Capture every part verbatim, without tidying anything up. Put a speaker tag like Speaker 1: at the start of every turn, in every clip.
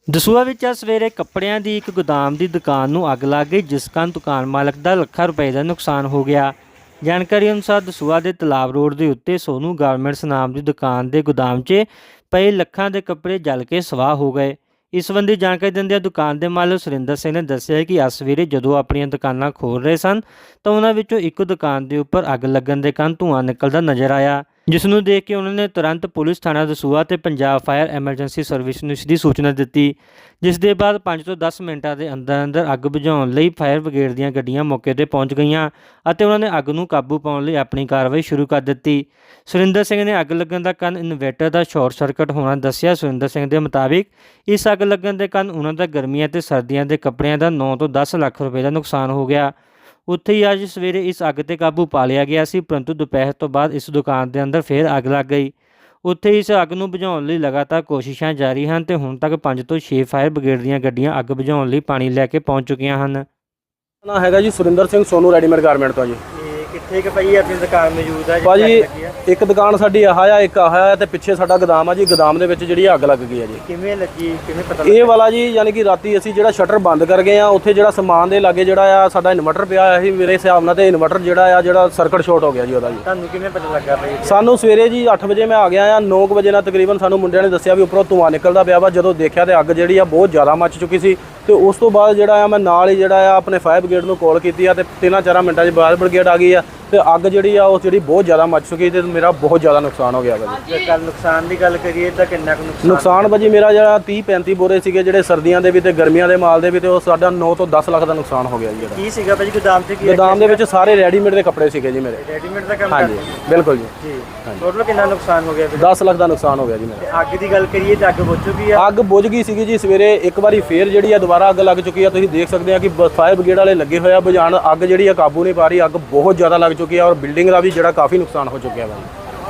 Speaker 1: ਦਸੂਹਾ ਵਿੱਚ ਅੱਜ ਸਵੇਰੇ ਕੱਪੜਿਆਂ ਦੀ ਇੱਕ ਗੋਦਾਮ ਦੀ ਦੁਕਾਨ ਨੂੰ ਅੱਗ ਲੱਗ ਗਈ, ਜਿਸ ਕਾਰਨ ਦੁਕਾਨ ਮਾਲਕ ਦਾ ਲੱਖਾਂ ਰੁਪਏ ਦਾ ਨੁਕਸਾਨ ਹੋ ਗਿਆ। ਜਾਣਕਾਰੀ ਅਨੁਸਾਰ ਦਸੂਹਾ ਦੇ ਤਲਾਬ ਰੋਡ ਦੇ ਉੱਤੇ ਸੋਨੂ ਗਾਰਮੈਂਟਸ ਨਾਮ ਦੀ ਦੁਕਾਨ ਦੇ ਗੋਦਾਮ 'ਚ ਪਏ ਲੱਖਾਂ ਦੇ ਕੱਪੜੇ ਜਲ ਕੇ ਸਵਾਹ ਹੋ ਗਏ। ਇਸ ਸੰਬੰਧੀ ਜਾਣਕਾਰੀ ਦਿੰਦਿਆਂ ਦੁਕਾਨ ਦੇ ਮਾਲਕ ਸੁਰਿੰਦਰ ਸਿੰਘ ਨੇ ਦੱਸਿਆ ਕਿ ਅੱਜ ਸਵੇਰੇ ਜਦੋਂ ਆਪਣੀਆਂ ਦੁਕਾਨਾਂ ਖੋਲ੍ਹ ਰਹੇ ਸਨ ਤਾਂ ਉਹਨਾਂ ਵਿੱਚੋਂ ਇੱਕ ਦੁਕਾਨ ਦੇ ਉੱਪਰ ਅੱਗ ਲੱਗਣ ਦੇ ਕਾਰਨ ਧੂੰਆਂ ਨਿਕਲਦਾ ਨਜ਼ਰ ਆਇਆ, ਜਿਸ ਨੂੰ ਦੇਖ ਕੇ ਉਹਨਾਂ ਨੇ ਤੁਰੰਤ ਪੁਲਿਸ ਥਾਣਾ ਦਸੂਹਾ ਤੇ ਪੰਜਾਬ ਫਾਇਰ ਐਮਰਜੈਂਸੀ ਸਰਵਿਸ ਨੂੰ ਇਸ ਦੀ ਸੂਚਨਾ ਦਿੱਤੀ, ਜਿਸ ਦੇ ਬਾਅਦ ਪੰਜ ਤੋਂ ਦਸ ਮਿੰਟਾਂ ਦੇ ਅੰਦਰ ਅੰਦਰ ਅੱਗ ਬੁਝਾਉਣ ਲਈ ਫਾਇਰ ਬ੍ਰਿਗੇਡ ਦੀਆਂ ਗੱਡੀਆਂ ਮੌਕੇ ਤੇ ਪਹੁੰਚ ਗਈਆਂ ਅਤੇ ਉਹਨਾਂ ਨੇ ਅੱਗ ਨੂੰ ਕਾਬੂ ਪਾਉਣ ਲਈ ਆਪਣੀ ਕਾਰਵਾਈ ਸ਼ੁਰੂ ਕਰ ਦਿੱਤੀ। ਸੁਰਿੰਦਰ ਸਿੰਘ ਨੇ ਅੱਗ ਲੱਗਣ ਦਾ ਕਾਰਨ ਇਨਵੇਟਰ ਦਾ ਸ਼ਾਰਟ ਸਰਕਟ ਹੋਣਾ ਦੱਸਿਆ। ਸੁਰਿੰਦਰ ਸਿੰਘ ਦੇ ਮੁਤਾਬਿਕ ਇਸ ਅੱਗ ਲੱਗਣ ਦੇ ਕਾਰਨ ਉਹਨਾਂ ਦਾ ਗਰਮੀਆਂ ਤੇ ਸਰਦੀਆਂ ਦੇ ਕੱਪੜਿਆਂ ਦਾ ਨੌ ਤੋਂ ਦਸ ਲੱਖ ਰੁਪਏ ਦਾ ਨੁਕਸਾਨ ਹੋ ਗਿਆ। ਉੱਥੇ ਹੀ ਅੱਜ ਸਵੇਰੇ ਇਸ ਅੱਗ ਤੇ ਕਾਬੂ ਪਾ ਲਿਆ ਗਿਆ ਸੀ, ਪਰੰਤੂ ਦੁਪਹਿਰ ਤੋਂ ਬਾਅਦ ਇਸ ਦੁਕਾਨ ਦੇ ਅੰਦਰ ਫਿਰ ਅੱਗ ਲੱਗ ਗਈ। ਉੱਥੇ ਇਸ ਅੱਗ ਨੂੰ ਬੁਝਾਉਣ ਲਈ ਲਗਾਤਾਰ ਕੋਸ਼ਿਸ਼ਾਂ ਜਾਰੀ ਹਨ ਤੇ ਹੁਣ ਤੱਕ ਪੰਜ ਤੋਂ ਛੇ ਫਾਇਰ ਬ੍ਰਿਗੇਡ ਦੀਆਂ ਗੱਡੀਆਂ ਅੱਗ ਬੁਝਾਉਣ ਲਈ ਪਾਣੀ ਲੈ ਕੇ ਪਹੁੰਚ ਚੁੱਕੀਆਂ ਹਨ।
Speaker 2: ਨਾ ਹੈਗਾ ਜੀ ਸੁਰਿੰਦਰ ਸਿੰਘ ਸੋਨੂ ਰੈਡੀਮੇਡ ਗਾਰਮੈਂਟ ਤੋਂ ਜੀ।
Speaker 1: ਕਿੱਥੇ ਕਿ ਭਾਈ ਆਪਣੀ ਦੁਕਾਨ ਮੌਜੂਦ ਹੈ
Speaker 2: ਭਾਜੀ ਇੱਕ ਦੁਕਾਨ ਸਾਡੀ ਆਹ ਆ, ਇੱਕ ਆਹ ਆ ਤੇ ਪਿੱਛੇ ਸਾਡਾ ਗੋਦਾਮ ਆ ਜੀ। ਗੋਦਾਮ ਦੇ ਵਿੱਚ ਜਿਹੜੀ ਅੱਗ ਲੱਗ ਗਈ ਹੈ ਜੀ।
Speaker 1: ਕਿਵੇਂ ਲੱਗੀ, ਕਿਵੇਂ ਪਤਾ
Speaker 2: ਇਹ ਵਾਲਾ ਜੀ ਯਾਨੀ ਕਿ ਰਾਤੀ ਅਸੀਂ ਜਿਹੜਾ ਸ਼ਟਰ ਬੰਦ ਕਰ ਗਏ ਆ, ਉੱਥੇ ਜਿਹੜਾ ਸਮਾਨ ਦੇ ਲਾਗੇ ਜਿਹੜਾ ਆ ਸਾਡਾ ਇਨਵਰਟਰ ਪਿਆ ਹੋਇਆ ਸੀ ਮੇਰੇ ਹਿਸਾਬ ਨਾਲ, ਤੇ ਇਨਵਰਟਰ ਜਿਹੜਾ ਆ ਜਿਹੜਾ ਸਰਕਟ ਸ਼ਾਰਟ ਹੋ ਗਿਆ ਜੀ ਉਹਦਾ ਜੀ।
Speaker 1: ਤੁਹਾਨੂੰ ਕਿਵੇਂ ਪਤਾ ਲੱਗਾ ਭਾਈ?
Speaker 2: ਸਾਨੂੰ ਸਵੇਰੇ ਜੀ ਅੱਠ ਵਜੇ ਮੈਂ ਆ ਗਿਆ ਆ, ਨੌ ਕੁ ਵਜੇ ਨਾਲ ਤਕਰੀਬਨ ਸਾਨੂੰ ਮੁੰਡਿਆਂ ਨੇ ਦੱਸਿਆ ਵੀ ਉੱਪਰੋਂ ਧੂੰਆਂ ਨਿਕਲਦਾ ਪਿਆ ਵਾ। ਜਦੋਂ ਦੇਖਿਆ ਤੇ ਅੱਗ ਜਿਹੜੀ ਆ ਬਹੁਤ ਜ਼ਿਆਦਾ ਮੱਚ ਚੁੱਕੀ ਸੀ ਤੇ ਉਸ ਤੋਂ ਬਾਅਦ ਜਿਹੜਾ ਆ ਮੈਂ ਨਾਲ ਹੀ ਜਿਹੜਾ ਆ ਆਪਣੇ ਫਾਇਰ ਬ੍ਰਿਗੇਡ ਨੂੰ ਕਾਲ ਕੀਤੀ ਆ ਤੇ ਤਿੰਨਾਂ ਚਾਰਾਂ ਮਿੰਟਾਂ 'ਚ ਫਾਇਰ ਬ੍ਰਿਗੇਡ ਆ ਗਈ ਆ ਤੇ ਅੱਗ ਜਿਹੜੀ ਆ ਉਹ ਜਿਹੜੀ ਬਹੁਤ ਜ਼ਿਆਦਾ ਮੱਚ ਚੁੱਕੀ ਤੇ ਮੇਰਾ ਬਹੁਤ ਜ਼ਿਆਦਾ ਨੁਕਸਾਨ ਹੋ ਗਿਆ ਵਾ ਜੀ।
Speaker 1: ਜੇ ਕੱਲ ਨੁਕਸਾਨ ਦੀ ਗੱਲ ਕਰੀਏ ਤਾਂ ਕਿੰਨਾ ਕੁ ਨੁਕਸਾਨ?
Speaker 2: ਨੁਕਸਾਨ ਭਾਜੀ ਮੇਰਾ ਜਿਹੜਾ ਤੀਹ ਪੈਂਤੀ ਬੋਰੇ ਸੀਗੇ ਜਿਹੜੇ ਸਰਦੀਆਂ ਦੇ ਵੀ ਤੇ ਗਰਮੀਆਂ ਦੇ ਮਾਲ ਦੇ ਵੀ, ਤੇ ਉਹ ਸਾਡਾ ਨੌ ਤੋਂ ਦਸ ਲੱਖ ਦਾ ਨੁਕਸਾਨ ਹੋ ਗਿਆ ਜੀ।
Speaker 1: ਕੀ ਸੀਗਾ ਭਾਜੀ ਗੋਦਾਮ 'ਚ? ਕੀ
Speaker 2: ਗੋਦਾਮ ਦੇ ਵਿੱਚ ਸਾਰੇ ਰੈਡੀਮੇਡ ਦੇ ਕੱਪੜੇ ਸੀਗੇ ਜੀ ਮੇਰੇ।
Speaker 1: ਰੈਡੀਮੇਡ ਦਾ ਕੰਮ
Speaker 2: ਹਾਂਜੀ
Speaker 1: ਕਰਦੇ
Speaker 2: ਬਿਲਕੁਲ ਜੀ।
Speaker 1: ਜੀ ਟੋਟਲ ਕਿੰਨਾ ਨੁਕਸਾਨ ਹੋ ਗਿਆ?
Speaker 2: ਦਸ ਲੱਖ ਦਾ ਨੁਕਸਾਨ ਹੋ ਗਿਆ ਜੀ ਮੇਰਾ।
Speaker 1: ਤੇ ਅੱਗ ਦੀ ਗੱਲ ਕਰੀਏ ਤਾਂ ਅੱਗ ਬੁਝ ਚੁੱਕੀ ਆ?
Speaker 2: ਅੱਗ ਬੁਝ ਗਈ ਸੀਗੀ ਜੀ ਸਵੇਰੇ ਇੱਕ ਵਾਰੀ ਫੇਰ ਜਿਹੜੀ ਆ ਦੁਬਾਰਾ ਅੱਗ ਲੱਗ ਚੁੱਕੀ ਆ। ਤੁਸੀਂ ਦੇਖ ਸਕਦੇ ਆ ਕਿ ਫਾਇਰ ਬ੍ਰਿਗੇਡ ਵਾਲੇ ਲੱਗੇ ਹੋਏ ਆ ਬੁਝਾਉਣ। ਅੱਗ ਜਿਹੜੀ ਆ ਕਾਬੂ ਨਹੀਂ ਪਾ ਰਹੀ, ਅੱਗ ਬਹੁਤ ਜ਼ਿਆਦਾ ਲੱਗ ਚੁੱਕੀ ਆ ਔਰ ਬਿਲਡਿੰਗ ਦਾ ਵੀ ਜਿਹੜਾ ਕਾਫੀ ਨੁਕਸਾਨ ਹੋ ਚੁੱਕਿਆ ਵਾ।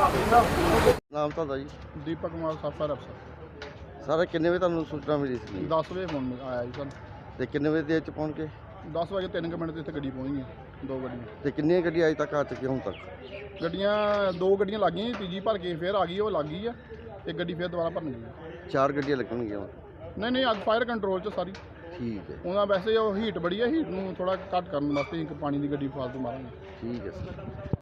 Speaker 3: ਨਾਮ ਤੁਹਾਡਾ ਜੀ?
Speaker 4: ਦੀਪਕ ਕੁਮਾਰ ਸਾਫਾ ਅਫਸਰ।
Speaker 3: ਸਰ ਕਿੰਨੇ ਵਜੇ ਤੁਹਾਨੂੰ ਸੂਚਨਾ ਮਿਲੀ ਸੀ
Speaker 4: ਦਸ ਵਜੇ ਫੋਨ ਆਇਆ ਜੀ ਸਾਨੂੰ।
Speaker 3: ਤੇ ਕਿੰਨੇ ਵਜੇ ਦੇ ਵਿੱਚ ਪਹੁੰਚ ਕੇ?
Speaker 4: ਦਸ ਵਜੇ ਤਿੰਨ ਕੁ ਮਿੰਟ ਤੇ ਇੱਥੇ ਗੱਡੀ ਪਹੁੰਚ ਗਈ, ਦੋ ਗੱਡੀਆਂ।
Speaker 3: ਤੇ ਕਿੰਨੀਆਂ ਗੱਡੀਆਂ ਅਜੇ ਤੱਕ ਆ ਚੁੱਕੀਆਂ ਹੁਣ ਤੱਕ?
Speaker 4: ਗੱਡੀਆਂ ਦੋ ਗੱਡੀਆਂ ਲੱਗ ਗਈਆਂ, ਤੀਜੀ ਭਰ ਕੇ ਫਿਰ ਆ ਗਈ, ਉਹ ਲੱਗ ਗਈ ਆ। ਇੱਕ ਗੱਡੀ ਫਿਰ ਦੁਬਾਰਾ ਭਰਨ ਗਈ।
Speaker 3: ਚਾਰ ਗੱਡੀਆਂ ਲੱਗਣਗੀਆਂ ਹੁਣ?
Speaker 4: ਨਹੀਂ ਨਹੀਂ ਅੱਗ ਫਾਇਰ ਕੰਟਰੋਲ 'ਚ ਸਾਰੀ।
Speaker 3: ਠੀਕ ਹੈ,
Speaker 4: ਉਹਨਾਂ ਵੈਸੇ ਉਹ ਹੀਟ ਬੜੀ ਆ, ਹੀਟ ਨੂੰ ਥੋੜਾ ਘੱਟ ਕਰਨ ਵਾਸਤੇ ਇੱਕ ਪਾਣੀ ਦੀ ਗੱਡੀ ਫਾਲਤੂ ਮਾਰਾਂਗੇ।
Speaker 3: ਠੀਕ ਹੈ ਸਰ।